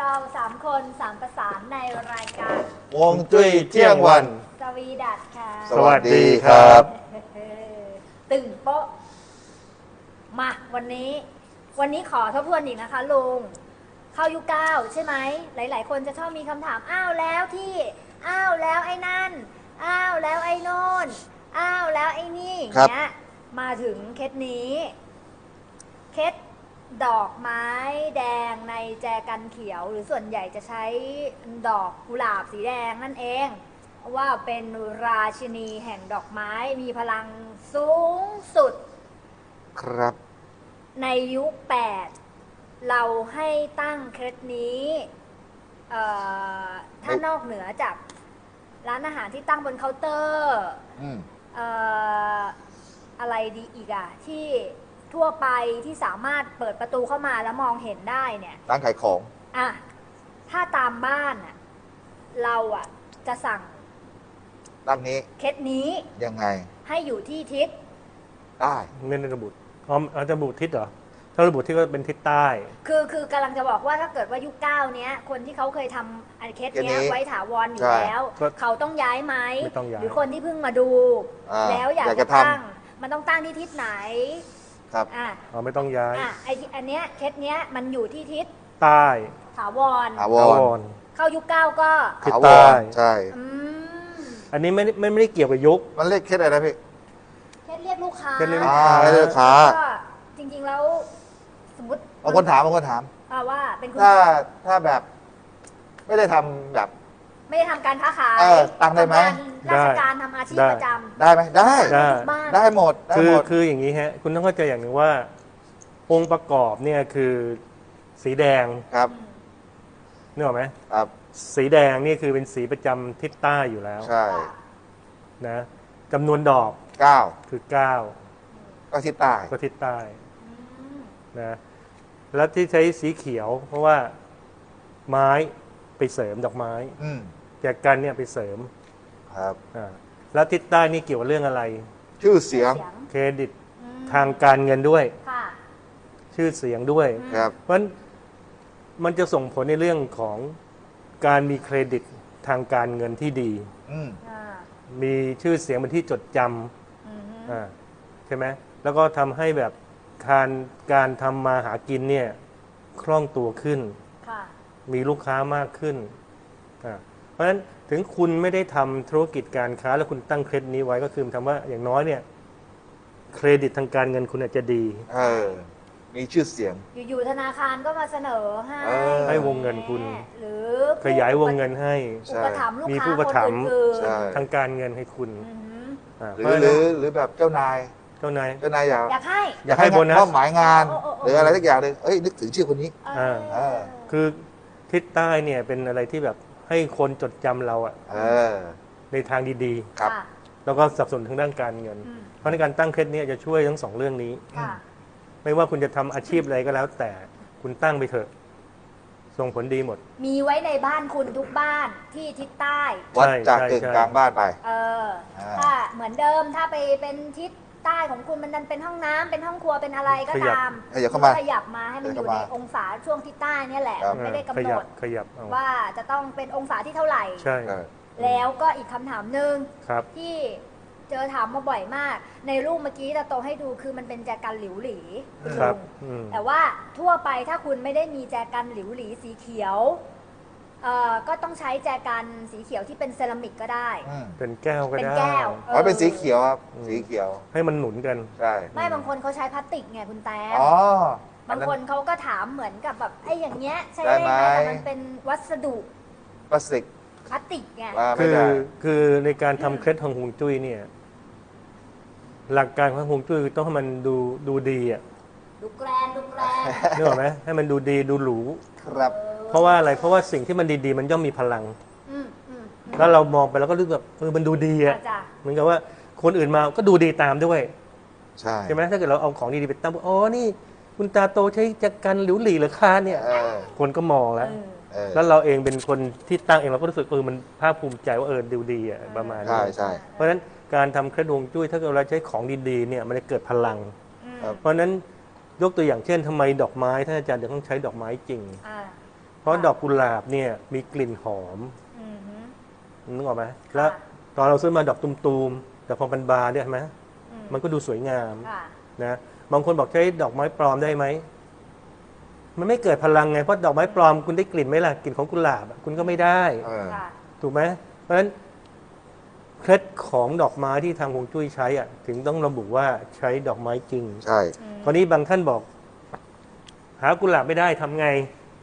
เรา3 คน3ประสานในรายการฮวงจุ้ยเที่ยงวันสวีดัตค่ะสวัสดีครับตึงโป๊ะมาวันนี้ขอทบทวนอีกนะคะลุงเข้ายุค9ใช่ไหมหลายๆคนจะชอบมีคำถามอ้าวแล้วที่อ้าวแล้วไอ้นั่นอ้าวแล้วไอ้โน่นอ้าวแล้วไอ้นี่อย่างเงี้ยมาถึงเคสนี้เคสดอกไม้แดงในแจกันเขียวหรือส่วนใหญ่จะใช้ดอกกุหลาบสีแดงนั่นเองว่าเป็นราชินีแห่งดอกไม้มีพลังสูงสุดครับในยุค8เราให้ตั้งเคสนี้ถ้านอกเหนือจากร้านอาหารที่ตั้งบนเคาน์เตอร์อะไรดีอีกอะที่ทั่วไปที่สามารถเปิดประตูเข้ามาแล้วมองเห็นได้เนี่ยร้านขายของอะถ้าตามบ้านอะเราอะจะสั่งร้านนี้เคสนี้ยังไงให้อยู่ที่ทิศได้ไม่ได้ระบุเราจะระบุทิศเหรอถ้าระบุทิศก็เป็นทิศใต้คือกำลังจะบอกว่าถ้าเกิดว่ายุค9เนี้ยคนที่เขาเคยทำอันเคสเนี้ยไว้ถาวรอยู่แล้วเขาต้องย้ายไหมหรือคนที่เพิ่งมาดูแล้วอยากจะตั้งมันต้องตั้งที่ทิศไหนครับไม่ต้องย้ายอันเนี้ยเคสเนี้ยมันอยู่ที่ทิศใต้ถาวรเข้ายุค9ก็ทิศใต้ใช่อันนี้ไม่ได้เกี่ยวกับยุคมันเรียกเคสอะไรนะพี่เคสเรียกลูกค้าเรียกลูกค้าก็จริงๆแล้วสมมติบางคนถามว่าเป็นคุณถ้าแบบไม่ได้ทำแบบไม่ได้ทำการค้าขายตั้งได้ไหมราชการทำอาชีพประจำได้ไหมได้หมดคืออย่างนี้ฮะคุณต้องเข้าใจอย่างหนึ่งว่าองค์ประกอบเนี่ยคือสีแดงครับนึกออกไหมครับสีแดงนี่คือเป็นสีประจำทิศใต้อยู่แล้วใช่นะจำนวนดอก 9 คือ9 ก็ทิศใต้นะแล้วที่ใช้สีเขียวเพราะว่าไม้ไปเสริมดอกไม้แจกันเนี่ยไปเสริมครับแล้วทิศใต้นี่เกี่ยวกับเรื่องอะไรชื่อเสียงเครดิตทางการเงินด้วยชื่อเสียงด้วยเพราะฉะนั้นมันจะส่งผลในเรื่องของการมีเครดิตทางการเงินที่ดีมีชื่อเสียงเป็นที่จดจำใช่ไหมแล้วก็ทำให้แบบการทำมาหากินเนี่ยคล่องตัวขึ้นมีลูกค้ามากขึ้นเพราะฉะนั้นถึงคุณไม่ได้ทำธุรกิจการค้าแล้วคุณตั้งเครดิตนี้ไว้ก็คือทำว่าอย่างน้อยเนี่ยเครดิตทางการเงินคุณอาจจะดีมีชื่อเสียงอยู่ธนาคารก็มาเสนอให้วงเงินคุณหรือขยายวงเงินให้มีผู้ประถมทางการเงินให้คุณหรือแบบเจ้านายอยากให้โบนัสหมายงานหรืออะไรสักอย่างเลยนึกถึงชื่อคนนี้คือทิศใต้เนี่ยเป็นอะไรที่แบบให้คนจดจำเราในทางดีๆแล้วก็สนับสนุนทางด้านการเงินเพราะในการตั้งเคสนี้จะช่วยทั้ง2เรื่องนี้ไม่ว่าคุณจะทำอาชีพอะไรก็แล้วแต่คุณตั้งไปเถอะส่งผลดีหมดมีไว้ในบ้านคุณทุกบ้านที่ทิศใต้วัดจากกึ่งกลางบ้านไปถ้าเหมือนเดิมถ้าไปเป็นทิศใต้ของคุณมันเป็นห้องน้ำเป็นห้องครัวเป็นอะไรก็ตามขยับมาให้มันอยู่ในองศาช่วงทิศใต้นี่แหละไม่ได้กำหนดว่าจะต้องเป็นองศาที่เท่าไหร่ใช่แล้วก็อีกคำถามหนึ่งที่เจอถามมาบ่อยมากในรูปเมื่อกี้ตาโตให้ดูคือมันเป็นแจกันหลิวหลีแต่ว่าทั่วไปถ้าคุณไม่ได้มีแจกันหลิวหลีสีเขียวก็ต้องใช้แจกันสีเขียวที่เป็นเซรามิกก็ได้เป็นแก้วก็ได้เป็นแก้วเป็นสีเขียวครับสีเขียวให้มันหนุนกันใช่ไม่บางคนเขาใช้พลาสติกไงคุณแต้มบางคนเขาก็ถามเหมือนกับแบบไอ้อย่างเงี้ยใช่ไหมแต่มันเป็นวัสดุพลาสติกไงคือในการทำเคล็ดของฮวงจุ้ยเนี่ยหลักการของฮวงจุ้ยต้องให้มันดูดีดูแกรนนึกออกไหมให้มันดูดีดูหรูครับเพราะว่าอะไรเพราะว่าสิ่งที่มันดีๆมันย่อมมีพลังแล้วเรามองไปแล้วก็รู้แบบมันดูดีเหมือนกับว่าคนอื่นมาก็ดูดีตามด้วยใช่ไหมถ้าเกิดเราเอาของดีๆไปตั้งนี่คุณตาโตใช้จักรหลิวหลี่หรือคาเนี่ยคนก็มองแล้วเราเองเป็นคนที่ตั้งเองเราก็รู้สึกมันภาคภูมิใจว่าดูดีประมาณนี้ใช่เพราะฉะนั้นการทำเคล็ดฮวงจุ้ยถ้าเราใช้ของดีๆเนี่ยมันจะเกิดพลังเพราะฉะนั้นยกตัวอย่างเช่นทำไมดอกไม้ท่านอาจารย์จะต้องใช้ดอกไม้จริงเพเพราะดอกกุหลาบเนี่ยมีกลิ่นหอมนึกออกไหมแล้วตอนเราซื้อมาดอกตุมๆแต่พอมันบานเนี่ยใช่ไหมมันก็ดูสวยงามนะบางคนบอกใช้ดอกไม้ปลอมได้ไหมมันไม่เกิดพลังไงเพราะดอกไม้ปลอมคุณได้กลิ่นไหมล่ะกลิ่นของกุหลาบคุณก็ไม่ได้ถูกไหมเพราะฉะนั้นเคล็ดของดอกไม้ที่ทางฮวงจุ้ยใช้อ่ะถึงต้องระบุว่าใช้ดอกไม้จริงใช่คราวนี้บางท่านบอกหากุหลาบไม่ได้ทำไง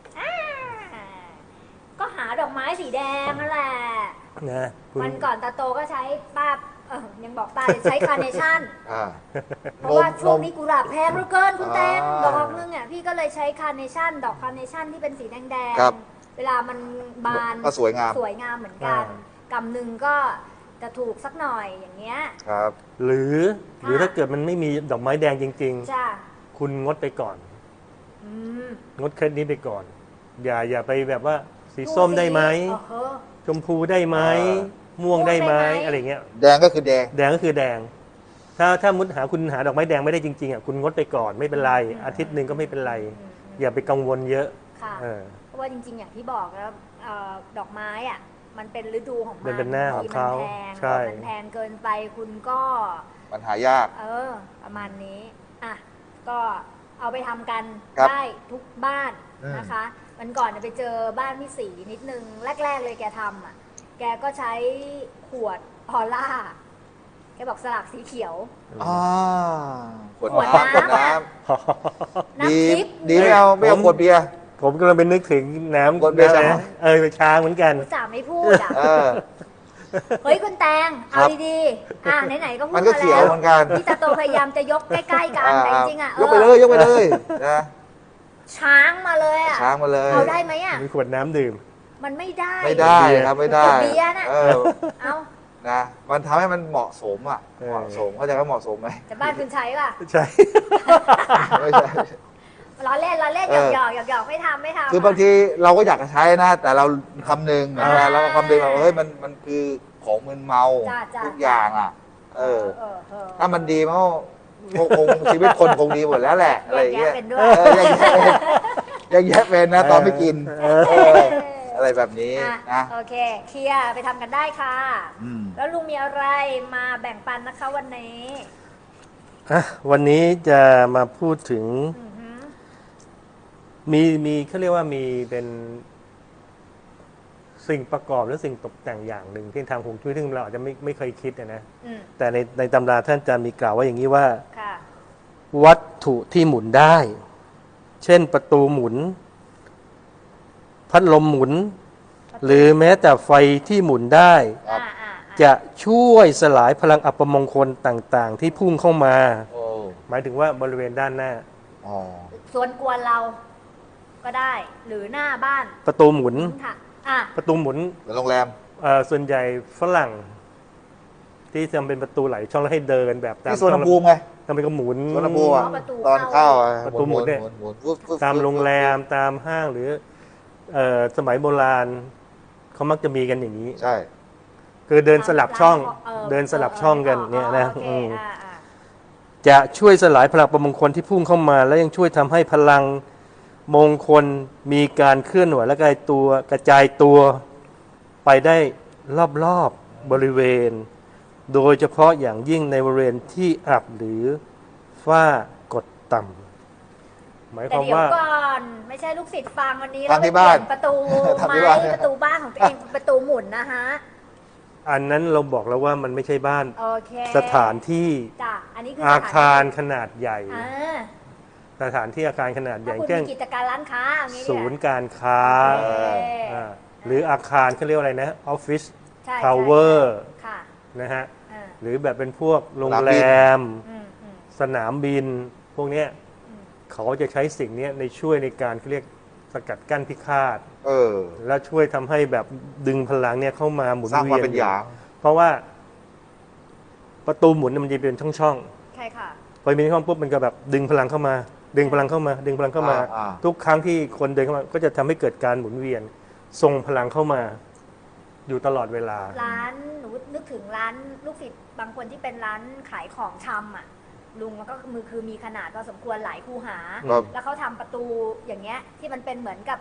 ก็หาดอกไม้สีแดงนั่นแหละนะวันก่อนตาโตก็ใช้ป้ายังบอกตาใช้คาร์เนชั่นเพราะว่าช่วงนี้กุหลาบแพงเหลือเกินคุณแตงดอกนึงอ่ะพี่ก็เลยใช้คาร์เนชั่นดอกคาร์เนชั่นที่เป็นสีแดงๆเวลามันบานก็สวยงามเหมือนกันกำหนึ่งก็จะถูกสักหน่อยอย่างเงี้ยครับหรือถ้าเกิดมันไม่มีดอกไม้แดงจริงๆคุณงดไปก่อนงดเคล็ดนี้ไปก่อนอย่าไปแบบว่าสีส้มได้ไหมชมพูได้ไหมม่วงได้ไหมอะไรเงี้ยแดงก็คือแดงก็คือแดงถ้ามุดคุณหาดอกไม้แดงไม่ได้จริงๆอ่ะคุณงดไปก่อนไม่เป็นไรอาทิตย์หนึ่งก็ไม่เป็นไรอย่าไปกังวลเยอะเพราะว่าจริงๆอย่างที่บอกแล้วดอกไม้อ่ะมันเป็นฤดูของมันเป็นหน้าของเขาใช่มันแพงเกินไปคุณก็ปัญหายากประมาณนี้อ่ะก็เอาไปทำกันได้ทุกบ้านนะคะวันก่อนไปเจอบ้านพี่สีนิดนึงแรกๆเลยแกทำอ่ะแกก็ใช้ขวดพอล่าแกบอกสลักสีเขียวขวดน้ำดีไม่เอาขวดเบียร์ผมกำลังเป็นนึกถึงน้ำขวดเบียร์ไปช้างเหมือนกันจ่าไม่พูดอ่ะเฮ้ยคุณแตงเอาดีๆไหนๆก็พูดมาแล้วพี่ตาโตพยายามจะยกใกล้ๆกันแต่จริงๆอ่ะยกไปเลยนะช้างมาเลยอ่ะช้างมาเลยเอาได้ไหมอ่ะมีขวดน้ำดื่มมันไม่ได้ครับไม่ได้เบียร์น่ะเอานะมันทำให้มันเหมาะสมอ่ะเหมาะสมเข้าใจว่าเหมาะสมไหมแต่บ้านคุณใช้ป่ะใช่ไม่ใช่ล้อเล่นหยอกไม่ทำคือบางทีเราก็อยากจะใช้นะแต่เราคำนึงเราคำนึงว่าเฮ้ยมันคือของมึนเมาทุกอย่างอ่ะถ้ามันดีมันคงชีวิตคนคงดีหมดแล้วแหละอะไรอย่างเงี้ยยังแยะเป็นนะตอนไม่กินอะไรแบบนี้นะโอเคเคลียร์ไปทำกันได้ค่ะแล้วลุงมีอะไรมาแบ่งปันนะคะวันนี้วันนี้จะมาพูดถึงมีเขาเรียกว่ามีเป็นสิ่งประกอบหรือสิ่งตกแต่งอย่างหนึ่งที่ทางฮวงจุ้ยซึ่งเราอาจจะไม่เคยคิดนะแต่ในตำราท่านจะมีกล่าวว่าอย่างนี้ว่าวัตถุที่หมุนได้ เช่นประตูหมุนพัดลมหมุนหรือแม้แต่ไฟที่หมุนได้จะช่วยสลายพลังอัปมงคลต่างๆที่พุ่งเข้ามาหมายถึงว่าบริเวณด้านหน้าส่วนกวนเราก็ได้หรือหน้าบ้านประตูหมุนประตูหมุนโรงแรมส่วนใหญ่ฝรั่งที่ทำเป็นประตูไหลช่องแล้วให้เดินแบบที่สวนภูมิไงทำเป็นก็หมุนสวนภูมิตอนเข้าประตูหมุนเนี่ยตามโรงแรมตามห้างหรือสมัยโบราณเขามักจะมีกันอย่างนี้ใช่คือเดินสลับช่องกันเนี่ยนะจะช่วยสลายพลังประมงคลที่พุ่งเข้ามาแล้วยังช่วยทำให้พลังมงคลมีการเคลื่อนไหวและกระจายตัวไปได้รอบๆบริเวณโดยเฉพาะอย่างยิ่งในบริเวณที่อับหรือฝ้ากดต่ำหมายความว่าแต่เดี๋ยวก่อนไม่ใช่ลูกศิษย์ฟังวันนี้เราไปเปลี่ยนประตูไม้ประตูบ้านของตัวเองประตูหมุนนะฮะอันนั้นเราบอกแล้วว่ามันไม่ใช่บ้านสถานที่อาคารขนาดใหญ่สถานที่อาคารขนาดใหญ่เช่นกิจการร้านค้าศูนย์การค้าหรืออาคารเขาเรียกอะไรนะออฟฟิศทาวเวอร์นะฮะหรือแบบเป็นพวกโรงแรมสนามบินพวกนี้เขาจะใช้สิ่งนี้ในช่วยในการเรียกสกัดกั้นพิฆาตแล้วช่วยทำให้แบบดึงพลังเนี่ยเข้ามาหมุนเวียนเพราะว่าประตูหมุนมันจะเป็นช่องใช่ค่ะพอมีช่องปุ๊บมันก็แบบดึงพลังเข้ามาดึงพลังเข้ามาทุกครั้งที่คนเดินเข้ามาก็จะทำให้เกิดการหมุนเวียนส่งพลังเข้ามาอยู่ตลอดเวลาร้านหนูนึกถึงร้านลูกศิษย์บางคนที่เป็นร้านขายของชำอ่ะลุงมันก็คือมีขนาดพอสมควรหลายคูหาแล้วเขาทำประตูอย่างเงี้ยที่มันเป็นเหมือนกับ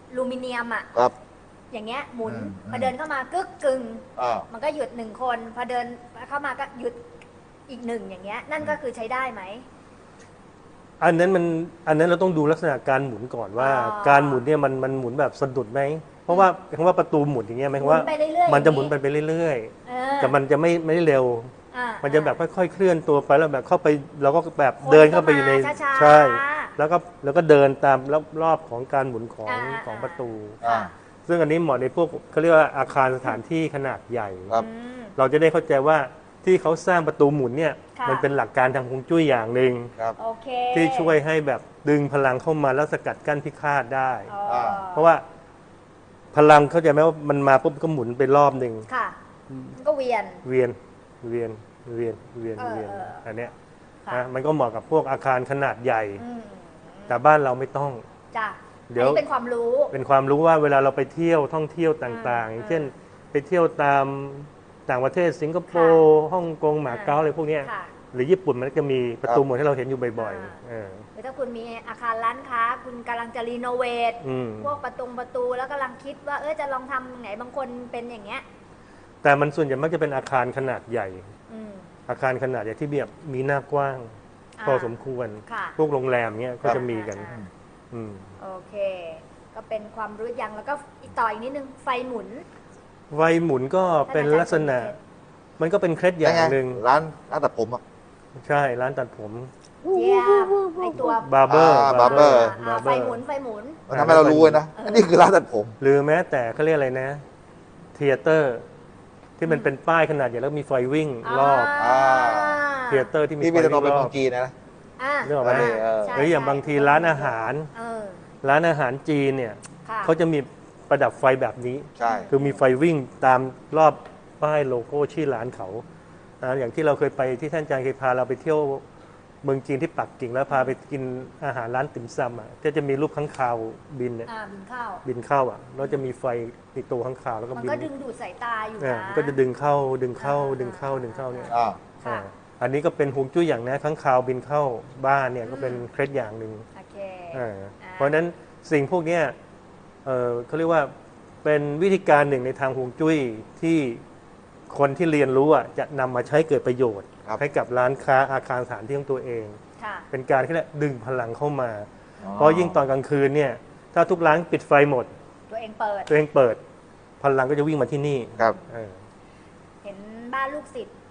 ลูมิเนียมอ่ะครับอย่างเงี้ยหมุนอืมพอเดินเข้ามากึกกึ่งอ่ามันก็หยุดหนึ่งคน พอเดินเข้ามาก็หยุดอีกหนึ่งอย่างเงี้ย นั่นก็คือใช้ได้ไหมอันนั้นเราต้องดูลักษณะการหมุนก่อนว่าอ๋อการหมุนเนี่ยมันหมุนแบบสะดุดไหมเพราะว่าคำว่าประตูหมุนอย่างเงี้ยหมายความว่าหมุนไปเรื่อยๆมันจะหมุนไปเรื่อยเออๆแต่มันจะไม่ได้เร็วอ่ามันจะแบบค่อยๆเคลื่อนตัวไปแล้วแบบเข้าไปเราก็แบบคนเดินเข้าไปอยู่ในก็มาช้าๆใช่แล้วก็เดินตามรอบของการหมุนของอ่าของประตูอ่าซึ่งอันนี้เหมาะในพวกเขาเรียกว่าอาคารสถานที่ขนาดใหญ่ครับอืมเราจะได้เข้าใจว่าที่เขาสร้างประตูหมุนเนี่ยค่ะมันเป็นหลักการทางฮวงจุ้ยอย่างหนึ่งครับโอเคที่ช่วยให้แบบดึงพลังเข้ามาแล้วสกัดกั้นพิฆาตได้อ๋อเพราะว่าพลังเข้าใจไหมว่ามันมาปุ๊บก็หมุนไปรอบหนึ่งค่ะมันก็เวียนเวียนเวียนเวียนเวียนเวียนเอออันเนี้ยค่ะนะมันก็เหมาะกับพวกอาคารขนาดใหญ่อืมแต่บ้านเราไม่ต้องจ้ะเดี๋ยวอันนี้เป็นความรู้เป็นความรู้ว่าเวลาเราไปเที่ยวท่องเที่ยวต่างๆ อย่างเช่น ไปเที่ยวตามต่างประเทศสิงคโปร์ฮ่องกงหมาเก๊าอะไรพวกเนี้ยค่ะหรือญี่ปุ่นมันก็จะมีประตูครับหมุนให้เราเห็นอยู่บ่อยอ่าๆเออหรือถ้าคุณมีอาคารร้านค้า คุณกำลังจะรีโนเวทอืมพวกประตูแล้วกำลังคิดว่าจะลองทำไหนบางคนเป็นอย่างเงี้ยแต่มันส่วนใหญ่มักจะเป็นอาคารขนาดใหญ่อืมอาคารขนาดใหญ่ที่แบบมีหน้ากว้างอ่าพอสมควรค่ะพวกโรงแรมเนี้ยก็จะมีกันอ่าอืมโอเค ก็เป็นความรู้อย่างแล้วก็อีกต่ออีกนิดนึงไฟหมุนไฟหมุนก็เป็นลักษณะ มันก็เป็นเคล็ดอย่างหนึ่งร้านตัดผมอ่ะใช่ร้านตัดผมเยี่ยมในตัวบาร์เบอร์ barber ไฟหมุนไฟหมุนมันทำให้เรารู้เลยนะ อันนี้คือร้านตัดผมหรือแม้แต่เขาเรียกอะไรนะเทเตอร์ที่มันเป็นป้ายขนาดใหญ่แล้วมีไฟวิ่งรอบอ่าเทเตอร์ที่มีที่ไฟมีแต่วิ่ตอนงเป็นรเมืออบ งจีนนะอ่านึกออกไหมใช่หรืออย่างบางทีร้านอาหารเออร้านอาหารจีนเนี่ยค่ะเขาจะมีประดับไฟแบบนี้ใช่คือมีไฟวิ่งตามรอบป้ายโลโก้ชื่อร้านเขาอย่างที่เราเคยไปที่ท่านอาจารย์เคยพาเราไปเที่ยวเมืองจีนที่ปักกิ่งแล้วพาไปกินอาหารร้านติ่มซำอ่ะที่จะมีรูปค้างคาวบินเนี่ยบินเข้าบินเข้าอ่ะแล้วจะมีไฟติดตัวค้างคาวแล้วก็มันบินก็ดึงดูดสายตาอยู่เนี่ยนะมันก็จะดึงเข้าดึงเข้าดึงเข้าดึงเข้าเนี่ยอ่าค่ะอันนี้ก็เป็นฮวงจุ้ยอย่างนะค้างคาวบินเข้าบ้านเนี่ยก็เป็นเคล็ดอย่างหนึ่งโอเคเพราะฉะนั้นสิ่งพวกเนี้ยเขาเรียกว่าเป็นวิธีการหนึ่งในทางฮวงจุ้ยที่คนที่เรียนรู้อ่ะจะนำมาใช้เกิดประโยชน์ครับให้กับร้านค้าอาคารสถานที่ของตัวเองค่ะเป็นการที่เรียกดึงพลังเข้ามา เพราะยิ่งตอนกลางคืนเนี่ยถ้าทุกร้านปิดไฟหมดตัวเองเปิดตัวเองเปิด พลังก็จะวิ่งมาที่นี่ครับเออเห็นบ้านลูกศิษย์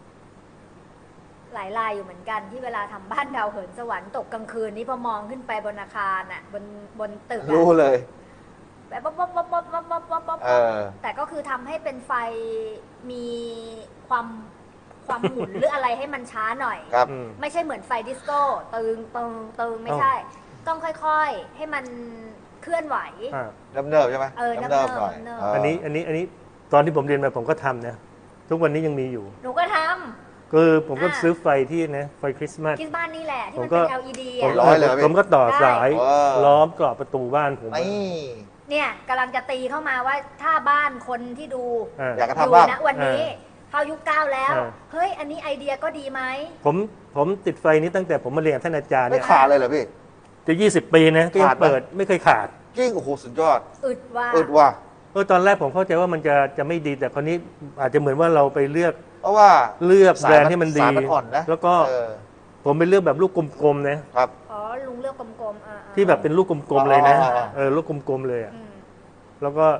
หลายรายอยู่เหมือนกันที่เวลาทำบ้านดาวเหินสวรรค์ตกกลางคืนนี่พอมองขึ้นไปบนอาคารอ่ะบนตึกอะรู้เลยแบบป๊อปป๊อปป๊อปป๊อปป๊อปป๊อปป๊อปป๊อปเออแต่ก็คือทำให้เป็นไฟมีความหมุน หรืออะไรให้มันช้าหน่อยครับอืมไม่ใช่เหมือนไฟดิสโก้ตึงตึงตึงไม่ใช่ ต้องค่อยๆ ให้มันเคลื่อนไหวอ่าเนิบๆใช่ไหมเออเนิบๆหน่อยเนิบๆเอันนี้ตอนที่ผมเรียนมาผมก็ทำนะทุกวันนี้ยังมีอยู่หนูก็ทคือผมก็อ่าซื้อไฟที่นะไฟคริสต์มาสำคิดบ้านนี่แหละ ที่มันผมก็เป็น LED ผมอ่ะร้อยเลยพี่ผมก็ต่อสายเออล้อมกรอบประตูบ้านผมนี่เนี่ยกำลังจะตีเข้ามาว่าถ้าบ้านคนที่ดูอ่าอยากจะอยู่ทำบ้างนะวันนี้เข้ายุค 9 แล้วอ่าเฮ้ย อันนี้ไอเดียก็ดีไหมผมติดไฟนี้ตั้งแต่ผมมาเรียนกับท่านอาจารย์ไม่เนี่ยขาดเลยเหรอพี่จะ20 ปีนะก็ยังขาดไหมเปิดไม่เคยขาดจริงโอ้โหสุดยอดอึดว่าอึดว่ะตอนแรกผมเข้าใจว่ามันจะไม่ดีแต่คราวนี้อาจจะเหมือนว่าเราไปเลือกเพราะว่าแบรนด์ที่มันดีสายมันอ่อนนะแล้วก็เออผมไปเลือกแบบลูกกลมๆนะครับอ๋อ ลุงเลือกกลมๆที่แบบเป็นลูกกลมๆเลยนะอ๋อลูกกลมๆเลยอะอืมแล้วก็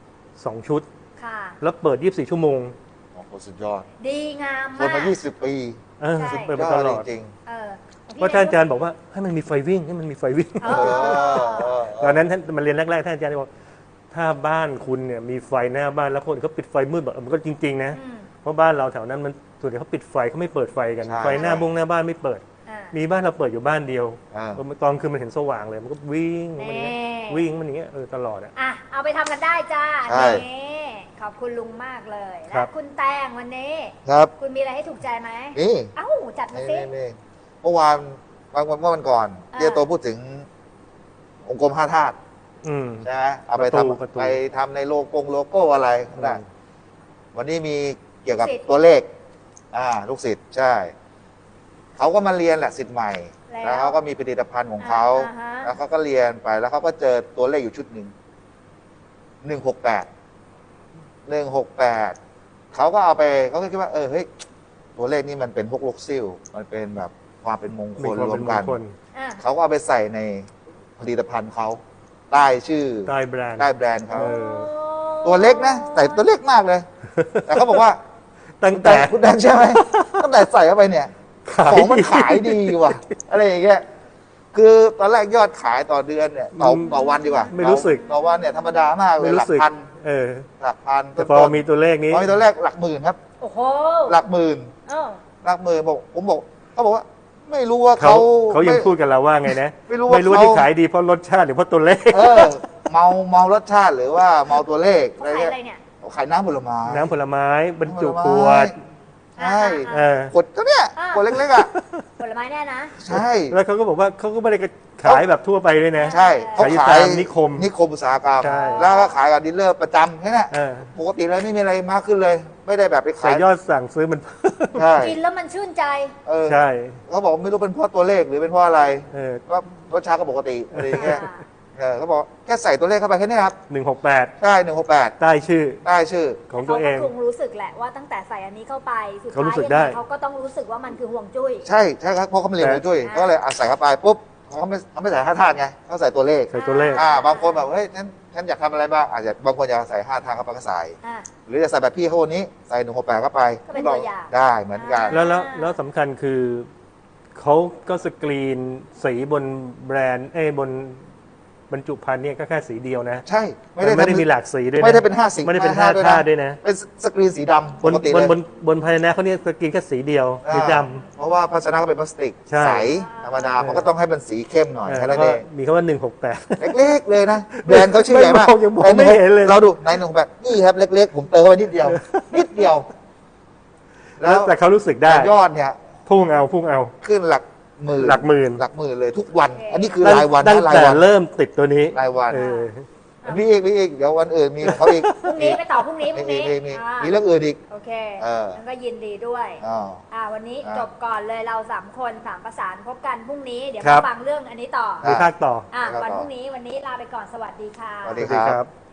2 ชุดค่ะแล้วเปิด24 ชั่วโมงโอ้โหสุดยอดดีงามทนมากมา 20 ปีใช่เปิดยมาอตดลอดจริงเออเพราะท่านอาจารย์บอกว่าให้มันมีไฟวิ่งให้มันมีไฟวิ่งเอๆอตอนนั้นท่านมาเรียนแรกๆท่านอาจารย์บอกถ้าบ้านคุณเนี่ยมีไฟหน้าบ้านแล้วคนเขาปิดไฟมืดแบบมันก็จริงๆนะอืมเพราะบ้านเราแถวนั้นมันส่วนใหญ่เขาปิดไฟเขาไม่เปิดไฟกันใช่ไฟหน้าบงหน้าบ้านไม่เปิดอ่ามีบ้านเราเปิดอยู่บ้านเดียวอ่าตอนคืนมันเห็นสว่างเลยมันก็วิ่งมันอย่างเงี้ยแน่วิ่งมันอย่างเงี้ยตลอดอ่ะอ่ะ เอาไปทำกันได้จ้าใช่นี่ขอบคุณลุงมากเลยครัและบคุณแตงวันนี้ครับคุณมีอะไรให้ถูกใจไหมนี่เอ้า จัดมานี่สินี่เมื่อวานเมื่อวันก่อนอ่าเจียโตพูดถึงองค์กร5 ธาตุอืมใช่ไหมเอาไปประตูทำไปทำในโลโก้อะไรได้อืมวันนี้มีเกี่ยวกับศิษย์ตัวเลข ลูกศิษย์ใช่ เขาก็มาเรียนแหละศิษย์ใหม่แล้วแล้วเขาก็มีผลิตภัณฑ์ของเขาอ่าฮะแล้วเขาก็เรียนไปแล้วเขาก็เจอตัวเลขอยู่ชุดหนึ่ง 168เขาก็เอาไปเขาก็คิดว่าเฮ้ยตัวเลขนี้มันเป็นพวกลูกซิ่วมันเป็นแบบความเป็นมงคมีลความรวเป็นมมกังนคลเขาก็เอาไปใส่ในผลิตภัณฑ์เขาใต้ชื่อได้แบรนด์ใต้แบรนด์เขาเออตัวเล็กนะใส่ตัวเล็กมากเลย แต่เขาบอกว่าตั้งแต่คุณแดงใช่ไหมตั้งแต่ใส่เข้าไปเนี่ยขายของมันขายดีว่ะ อะไรอย่างเงี้ยคือตอนแรกยอดขายต่อเดือนเนี่ยต่อวันดีกว่าไม่รู้สึกต่อวันเนี่ยธรรมดามากเลไม่ยหลัรู้สึกพันเออหลักพันแต่พอมีตัวเลขนี้พอมีตัวแรกหลักหมื่นครับโอ้โหหลักหมื่นเออหลักหมื่นบอกผมบอกเขาบอกว่า ไม่รู้ว่าเขาเขายังไม่พูดกับเราว่าไงนะไม่รู้ว่าที่เขาขายดีเพราะรสชาติหรือเพราะตัวเลขเมารสชาติหรือว่าเมาตัวเลขเขาขายอะไรเนี่ยเขาขายน้ำผลไม้น้ำผลไม้บรรจุขวดใช่เออขวดก็เนี่ยขวดเล็กๆอ่ะผลไม้แน่นะใช่แล้วเขาก็บอกว่าเขาก็ไม่ได้ขายแบบทั่วไปด้วยนะใช่เขาขายอยู่ขายตามนิคมอุตสาหกรรมใช่แล้วก็ขายกับดีลเลอร์ประจำแค่นั้นเออปกติเลยไม่มีอะไรมากขึ้นเลย ไม่ได้แบบไปแต่ขายยอดสั่งซื้อมันใช่กินแล้วมันชื่นใจใช่เขาบอกไม่รู้เป็นเพราะตัวเลขหรือเป็นเพราะอะไรเออว่ารสชาติก็ปกติอะไรอย่างเงี้ยเขาบอกแค่ใส่ตัวเลขเข้าไปแค่นี้ครับ 168 ใช่168 ใต้ชื่อได้ชื่อของตัวเองเขาก็คงรู้สึกแหละว่าตั้งแต่ใส่อันนี้เข้าไปสุดเขาท้ายรู้สึกยังได้ไงเขาก็ต้องรู้สึกว่ามันคือห่วงจุ้ยใช่ครับเพราะเขาไม่เรียนมาด้วยก็เลยใส่เข้าไปปุ๊บเขาไม่ใส่5 ธาตุไงเขาใส่ตัวเลขใส่ตัวเลขบางคนแบบเฮ้ยฉันอยากทำอะไรบ้างอาจจะบางคนอยากใส่5 ธาตุเข้าไปก็ใส่อ่าหรือจะใส่แบบพี่เขาคนนี้ใส่168เข้าไปก็เป็นตัวอย่างได้เหมือนกันแล้วสำคัญคือเขาก็สกรีนสีบนแบรนด์บนบรรจุภัณฑ์เนี่ยก็แค่สีเดียวนะใช่ไม่ได้มีหลากสีด้วยนะไม่ได้เป็น5 สีไม่ได้เป็นห้ 5 ธาตุด้วยนะเป็นสกรีนสีดำบปนกติบเลนยบนภายในเขาเนี่ยสกรีนแค่สีเดียวสีดเพราะว่าภาชนะก็เป็นพลาสติกใช่ใสธรรมดามันก็ต้องให้มันสีเข้มหน่อยำแค่แล้นั้วน ก็เองมีคำว่า168 เล็กๆเลยนะแบรนด์เขาชื่อใหญ่มากยังมองไม่เห็นเลยเราดูใน168นี่ครับเล็กๆ ผมเติมเข้าไปนิดเดียว นิดเดียวแล้วแต่เขารู้สึกได้แต่ยอดเนี่ยพุ่งเอาขึ้นหลักหมื่นหลักหมื่นเลยทุกวัน อันนี้คือรายวันตั้งนะรายแต่วันเริ่มติดตัวนี้รายวันเออมีอีกเดี๋ยววันอื่นมีของเขาอีกพรุ่งนี้ไปต่อพรุ่งนี้มีเรื่องอื่นอีกโอเคเออแล้วก็ยินดีด้วย วันนี้จบก่อนเลยเรา3 คน3 ประสานพบกันพรุ่งนี้เดี๋ยวครัมาบฟังเรื่องอันนี้ต่อมีภาคต่อวันพรุ่งนี้วันนี้ลาไปก่อนสวัสดีค่ะสวัสสดีวัสดีครับ